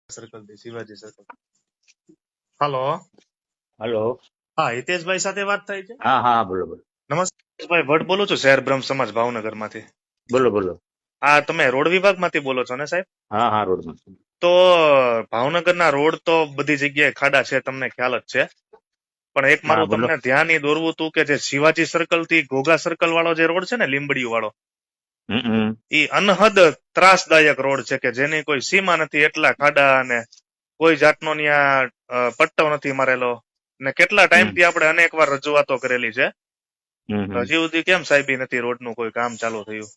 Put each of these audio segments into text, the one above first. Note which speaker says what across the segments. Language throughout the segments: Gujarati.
Speaker 1: સર્કલ થી શિવાજી સર્કલ. હાલો,
Speaker 2: હલો.
Speaker 1: હા, હિતેશભાઈ સાથે વાત થાય છે?
Speaker 2: હા હા બોલો બોલો
Speaker 1: નમસ્તે ભાઈ, ભટ્ટ બોલું છું, શહેર બ્રહ્મ સમાજ ભાવનગર માંથી.
Speaker 2: બોલો બોલો.
Speaker 1: હા, તમે રોડ વિભાગ માંથી બોલો છો ને સાહેબ?
Speaker 2: હા હા રોડમાં.
Speaker 1: તો ભાવનગરના રોડ તો બધી જગ્યાએ ખાડા છે, તમને ખ્યાલ જ છે. પણ એક
Speaker 2: હા
Speaker 1: મારું
Speaker 2: બોલો.
Speaker 1: તમને ધ્યાન એ દોરવું હતું કે જે શિવાજી સર્કલ થી ઘોઘા સર્કલ વાળો જે રોડ છે ને, લીંબડી વાળો,
Speaker 2: હમ.
Speaker 1: એ અનહદ ત્રાસદાયક રોડ છે કે જેની કોઈ સીમા નથી. એટલા ખાડા અને કોઈ જાતનો ત્યાં પટ્ટો નથી મારેલો. ને કેટલા ટાઈમ થી આપણે અનેક વાર રજૂઆતો કરેલી છે. હજી સુધી કેમ સાહેબી નથી રોડ નું કોઈ કામ ચાલુ થયું?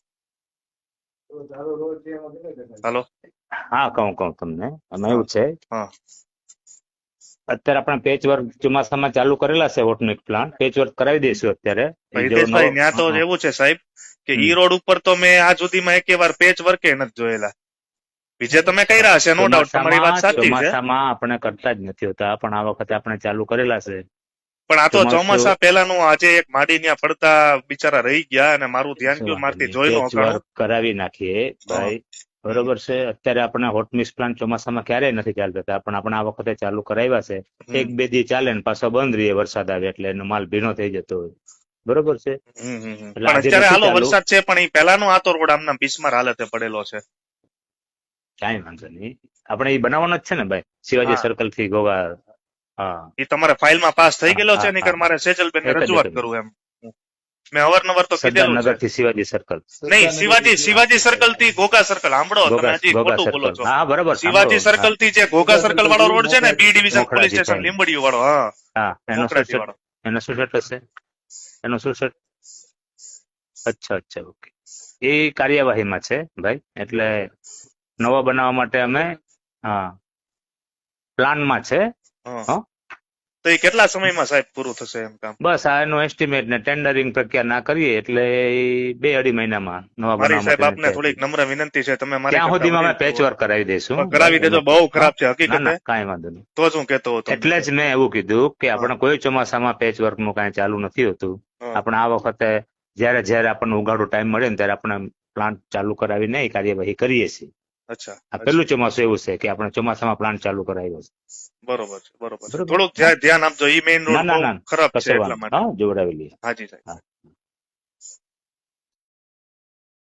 Speaker 1: હાલો.
Speaker 2: હા કહું તમને એમાં
Speaker 1: હા
Speaker 2: એવું છે,
Speaker 1: હા
Speaker 2: અત્યારે આપણે પેચ વર્ક ચોમાસામાં ચાલુ કરેલા છે. વોટમિક પ્લાન પેચ વર્ક કરાવી દઈશું અત્યારે. એ જો નવો
Speaker 1: હિતેશભાઈ, ત્યાં તો એવું છે સાહેબ કે ઈ રોડ ઉપર તો મેં આજ સુધીમાં એક વાર પેચ વર્કે નથી જોયેલા. બીજે તમે કર્યા હશે, નો ડાઉટ, તમારી વાત સાચી છે.
Speaker 2: ચોમાસામાં આપણે કરતા જ નથી હોતા, પણ આ વખતે આપણે ચાલુ કરેલા છે.
Speaker 1: પણ આ તો
Speaker 2: ચોમાસું
Speaker 1: ચોમાસા પહેલાનું, આજે એક માડી ત્યાં પડતા બિચારા રહી ગયા અને મારું ધ્યાન ગયું, મારથી જોઈ નો
Speaker 2: પેચ
Speaker 1: હકાણું.
Speaker 2: વર્ક કરાવી નાખીએ ભાઈ. બરોબર છે. અત્યારે આપણે હોટમિક્સ પ્લાન ચોમાસામાં ક્યારેય નથી ચાલતા, પણ આપણે આ વખતે ચાલુ કરાવ્યા છે. એક બે દી ચાલે ને પાછો બંધ રહીએ વરસાદ આવે એટલે એનો માલ ભીનો થઈ જતો હોય. બરોબર છે. એટલે
Speaker 1: પણ
Speaker 2: આજે
Speaker 1: અત્યારે
Speaker 2: નથી
Speaker 1: હાલો
Speaker 2: ચાલુ.
Speaker 1: વરસાદ છે, પણ એ પહેલાનો આ તો રોડ આમના બિસ્માર હાલતે પડેલો છે.
Speaker 2: કાંઈ વાંધો નહીં, આપણે એ બનાવવાનો જ છે ને ભાઈ, શિવાજી
Speaker 1: હા,
Speaker 2: સર્કલ થી ગોવા. હા
Speaker 1: એ તમારે ફાઇલમાં પાસ થઈ
Speaker 2: હા
Speaker 1: ગયેલો છે,
Speaker 2: હા
Speaker 1: નહીંતર
Speaker 2: હા.
Speaker 1: મારે સેજલબેન ને
Speaker 2: એક જ
Speaker 1: રજૂઆત
Speaker 2: એક જ
Speaker 1: કરું એમ. મેં અવારનવાર તો કીધેલું છે.
Speaker 2: સરદારનગર થી શિવાજી સર્કલ.
Speaker 1: નહીં, શિવાજી સર્કલ થી ઘોઘા સર્કલ. સાંભળો, તમે
Speaker 2: ગોગા
Speaker 1: હજી
Speaker 2: ગોગા
Speaker 1: ખોટું બોલો
Speaker 2: સર્કલ.
Speaker 1: છો.
Speaker 2: હા બરોબર સાંભળો.
Speaker 1: શિવાજી
Speaker 2: હા
Speaker 1: સર્કલ થી જે ઘોઘા સર્કલ વાળો રોડ છે ને, બી ડિવિઝન પોલીસ
Speaker 2: મોખરાજી
Speaker 1: સ્ટેશન
Speaker 2: થઈને.
Speaker 1: લીંબડી વાળો, હા,
Speaker 2: હા એનો શું
Speaker 1: મોકરાજી
Speaker 2: સેટ?
Speaker 1: વાળો.
Speaker 2: એનો શું સેટ હશે? એનો શું સેટ? અચ્છા અચ્છા ઓકે. એ કાર્યવાહીમાં છે ભાઈ, એટલે નવો બનાવવા માટે અમે હા પ્લાનમાં છે.
Speaker 1: હા,
Speaker 2: હં?
Speaker 1: તો એ કેટલા સમયમાં સાહેબ પૂરું થશે એમ કામ?
Speaker 2: બસ આ એનું એસ્ટિમેટ ને ટેન્ડરિંગ પ્રક્રિયા ના કરીએ એટલે એ 2-2.5 મહિનામાં નવા
Speaker 1: મારી
Speaker 2: બનાવવા
Speaker 1: સાહેબ
Speaker 2: માટેની
Speaker 1: આપને થોડીક નમ્ર વિનંતી છે, તમે મારી
Speaker 2: ત્યાં
Speaker 1: કરતા
Speaker 2: સુધીમાં અમે
Speaker 1: વડીલ
Speaker 2: પેચ
Speaker 1: છો.
Speaker 2: વર્ક કરાવી દઈશું
Speaker 1: કરાવી
Speaker 2: ભાઈ
Speaker 1: દેજો,
Speaker 2: એમાં.
Speaker 1: બહુ
Speaker 2: હા
Speaker 1: ખરાબ છે
Speaker 2: ના
Speaker 1: હકીકતે.
Speaker 2: ના કાંઈ વાંધો નહીં.
Speaker 1: તો જ હું કેતો હતો તમને
Speaker 2: એટલે જ
Speaker 1: સાહેબ.
Speaker 2: મેં એવું કીધું કે
Speaker 1: હા
Speaker 2: આપણે કોઈ ચોમાસામાં પેચ વર્કનું કાંઈ ચાલુ નથી હોતું.
Speaker 1: હા.
Speaker 2: આપણે આ વખતે જ્યારે જ્યારે આપણને ઉઘાડો ટાઈમ મળે ને ત્યારે આપણે પ્લાન્ટ ચાલુ કરાવીને એ કાર્યવાહી કરીએ છીએ.
Speaker 1: અચ્છા
Speaker 2: આ
Speaker 1: અચ્છા,
Speaker 2: પેલું ચોમાસું એવું છે કે આપણે ચોમાસામાં પ્લાન્ટ ચાલુ કરાવ્યો છે.
Speaker 1: બરોબર છે, બરોબર છે.
Speaker 2: બરોબર.
Speaker 1: થોડુંક
Speaker 2: હા
Speaker 1: ધ્યાન આપજો, ઈ મેઇન
Speaker 2: ના
Speaker 1: રોડ
Speaker 2: ના
Speaker 1: બહુ
Speaker 2: ના
Speaker 1: ખરાબ છે
Speaker 2: કશો
Speaker 1: એટલા
Speaker 2: વાંધો.
Speaker 1: માટે.
Speaker 2: હા જોવડાવી લઈએ.
Speaker 1: હાજી સાહેબ.
Speaker 2: હા.